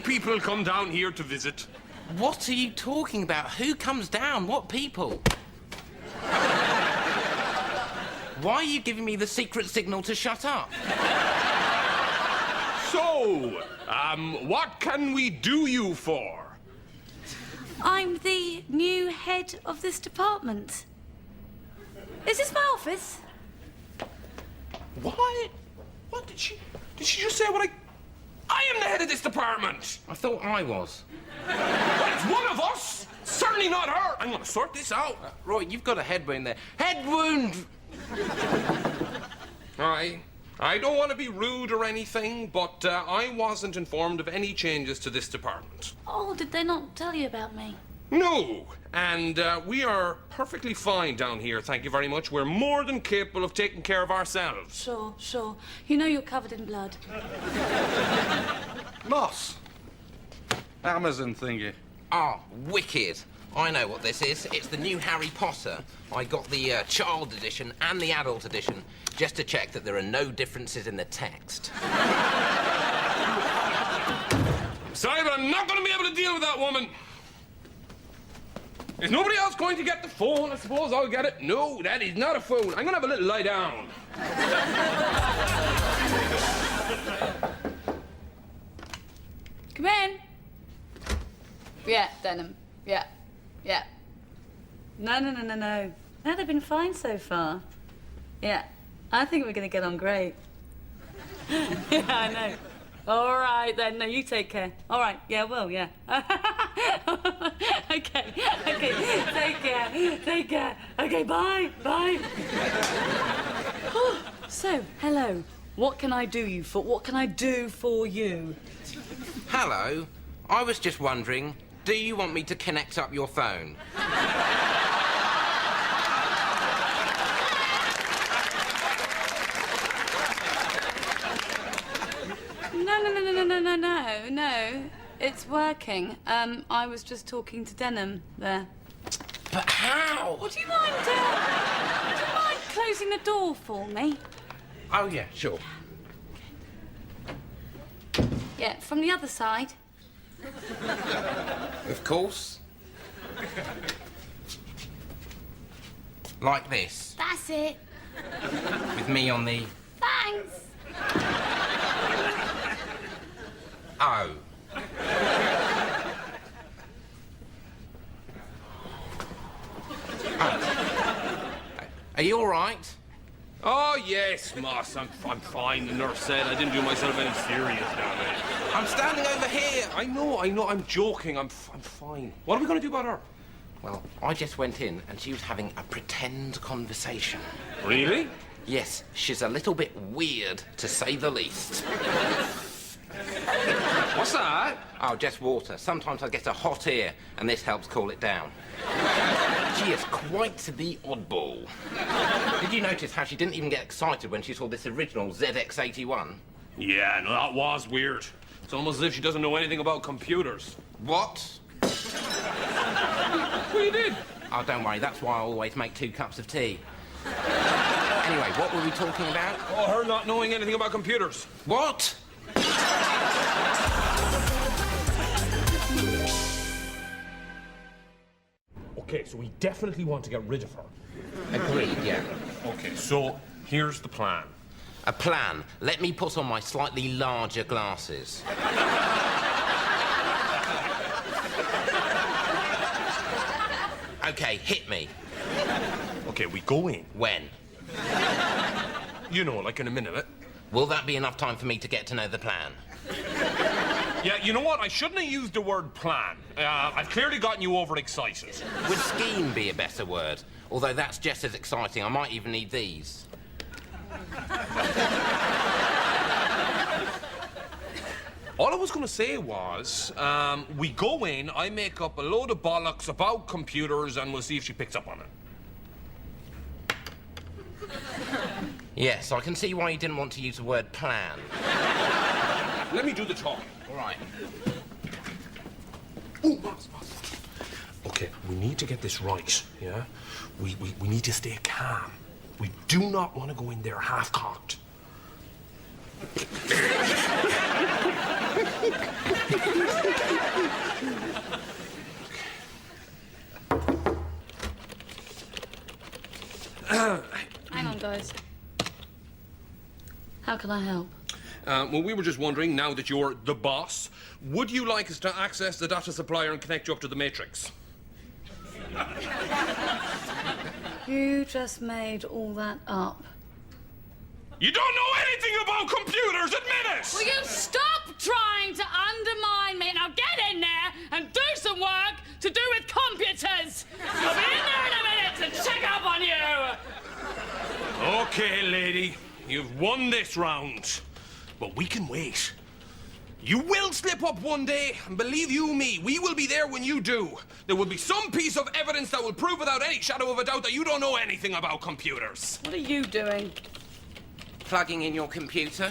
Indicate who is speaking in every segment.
Speaker 1: people come down here to visit.
Speaker 2: What are you talking about? Who comes down? What people? Why are you giving me the secret signal to shut up?
Speaker 1: So, what can we do you for?
Speaker 3: I'm the new head of this department. Is this my office?
Speaker 1: What? What did she just say what I am the head of this department!
Speaker 2: I thought I was.
Speaker 1: Well, it's one of us! Certainly not her! I'm gonna sort this out.
Speaker 2: Roy, you've got a head wound there. Head wound!
Speaker 1: I don't want to be rude or anything, but I wasn't informed of any changes to this department.
Speaker 3: Oh, did they not tell you about me?
Speaker 1: No, and we are perfectly fine down here, thank you very much. We're more than capable of taking care of ourselves.
Speaker 3: Sure. You know you're covered in blood.
Speaker 4: Moss. Amazon thingy.
Speaker 2: Ah, wicked. I know what this is. It's the new Harry Potter. I got the child edition and the adult edition just to check that there are no differences in the text.
Speaker 1: Sorry, but I'm not going to be able to deal with that woman. Is nobody else going to get the phone? I suppose I'll get it. No, that is not a phone. I'm going to have a little lie down.
Speaker 3: Come in. Yeah, Denham. Yeah. No. No, they've been fine so far. Yeah, I think we're going to get on great. Yeah, I know. All right, then. No, you take care. All right. Yeah, well, yeah. Okay. Take care. Okay, bye. So, hello. What can I do for you?
Speaker 2: Hello. I was just wondering, do you want me to connect up your phone?
Speaker 3: No. It's working. I was just talking to Denham there.
Speaker 2: But how?
Speaker 3: Would you mind closing the door for me?
Speaker 2: Oh, yeah, sure.
Speaker 3: Yeah, from the other side.
Speaker 2: Of course. Like this,
Speaker 3: That's it.
Speaker 2: with me on the...
Speaker 3: Thanks.
Speaker 2: Oh. Are you all right?
Speaker 1: Oh, yes, Moss. I'm fine. The nurse said I didn't do myself any serious damage.
Speaker 2: I'm standing over here.
Speaker 1: I know. I'm joking. I'm fine. What are we going to do about her?
Speaker 2: Well, I just went in and she was having a pretend conversation.
Speaker 1: Really?
Speaker 2: Yes, she's a little bit weird, to say the least.
Speaker 1: What's that?
Speaker 2: Oh, just water. Sometimes I get a hot ear, and this helps cool it down. She is quite the oddball. Did you notice how she didn't even get excited when she saw this original ZX81?
Speaker 1: Yeah, no, that was weird. It's almost as if she doesn't know anything about computers.
Speaker 2: What?
Speaker 1: Well, you did.
Speaker 2: Oh, don't worry. That's why I always make 2 cups of tea. Anyway, what were we talking about?
Speaker 1: Oh, her not knowing anything about computers.
Speaker 2: What?
Speaker 1: Okay, so we definitely want to get rid of her.
Speaker 2: Agreed, yeah.
Speaker 1: Okay, so here's the plan.
Speaker 2: A plan. Let me put on my slightly larger glasses. Okay, hit me.
Speaker 1: Okay, we go in.
Speaker 2: When?
Speaker 1: You know, like in a minute.
Speaker 2: Will that be enough time for me to get to know the plan?
Speaker 1: Yeah, you know what? I shouldn't have used the word plan. I've clearly gotten you overexcited.
Speaker 2: Would scheme be a better word? Although that's just as exciting. I might even need these.
Speaker 1: All I was going to say was, we go in, I make up a load of bollocks about computers, and we'll see if she picks up on it.
Speaker 2: Yes, I can see why you didn't want to use the word plan.
Speaker 1: Let me do the talking.
Speaker 2: All right.
Speaker 1: Oh, Moss. Okay, we need to get this right, yeah? We need to stay calm. We do not want to go in there half-cocked.
Speaker 3: How can I help?
Speaker 1: Well, we were just wondering, now that you're the boss, would you like us to access the data supplier and connect you up to the Matrix?
Speaker 3: You just made all that up.
Speaker 1: You don't know anything about computers, admit it!
Speaker 3: Will you stop trying to undermine me? Now get in there and do some work to do with computers. I'll be in there in a minute to check up on you.
Speaker 1: Okay, lady, you've won this round. But we can wait. You will slip up one day, and believe you me, we will be there when you do. There will be some piece of evidence that will prove without any shadow of a doubt that you don't know anything about computers.
Speaker 3: What are you doing?
Speaker 2: Plugging in your computer.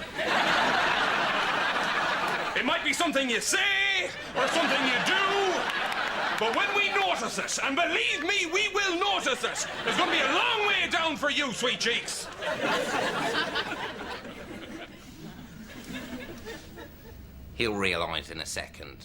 Speaker 1: It might be something you say, or something you do, but when we notice it, and believe me, we will notice it, there's going to be a long way down for you, sweet cheeks.
Speaker 2: He'll realise in a second.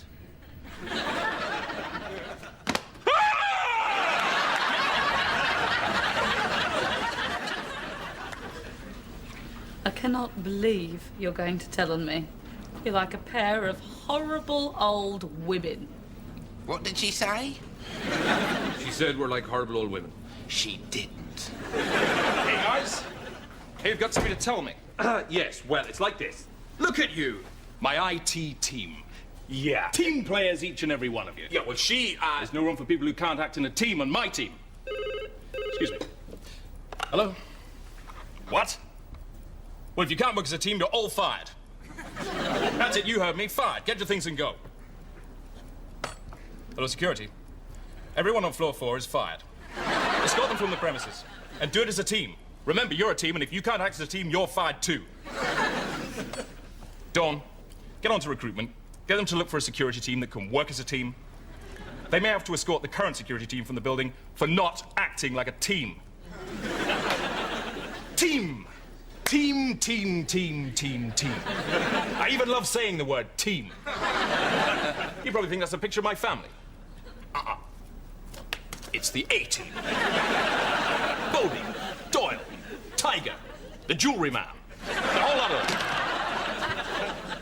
Speaker 3: I cannot believe you're going to tell on me. You're like a pair of horrible old women.
Speaker 2: What did she say?
Speaker 1: She said we're like horrible old women.
Speaker 2: She didn't.
Speaker 4: Hey, guys. Hey, you've got something to tell me.
Speaker 1: Yes, well, it's like this.
Speaker 4: Look at you. My IT team. Yeah. Team players, each and every one of you.
Speaker 1: Yeah, well,
Speaker 4: There's no room for people who can't act in a team on my team. Excuse me. Hello? What? Well, if you can't work as a team, you're all fired. That's it, you heard me. Fired. Get your things and go. Hello, security. Everyone on floor 4 is fired. Escort them from the premises. And do it as a team. Remember, you're a team, and if you can't act as a team, you're fired too. Dawn, get on to recruitment. Get them to look for a security team that can work as a team. They may have to escort the current security team from the building for not acting like a team. Team! Team, team, team, team, team. I even love saying the word team. You probably think that's a picture of my family. It's the A-team. Bobby, Doyle, Tiger, the jewelry man, the whole lot of them.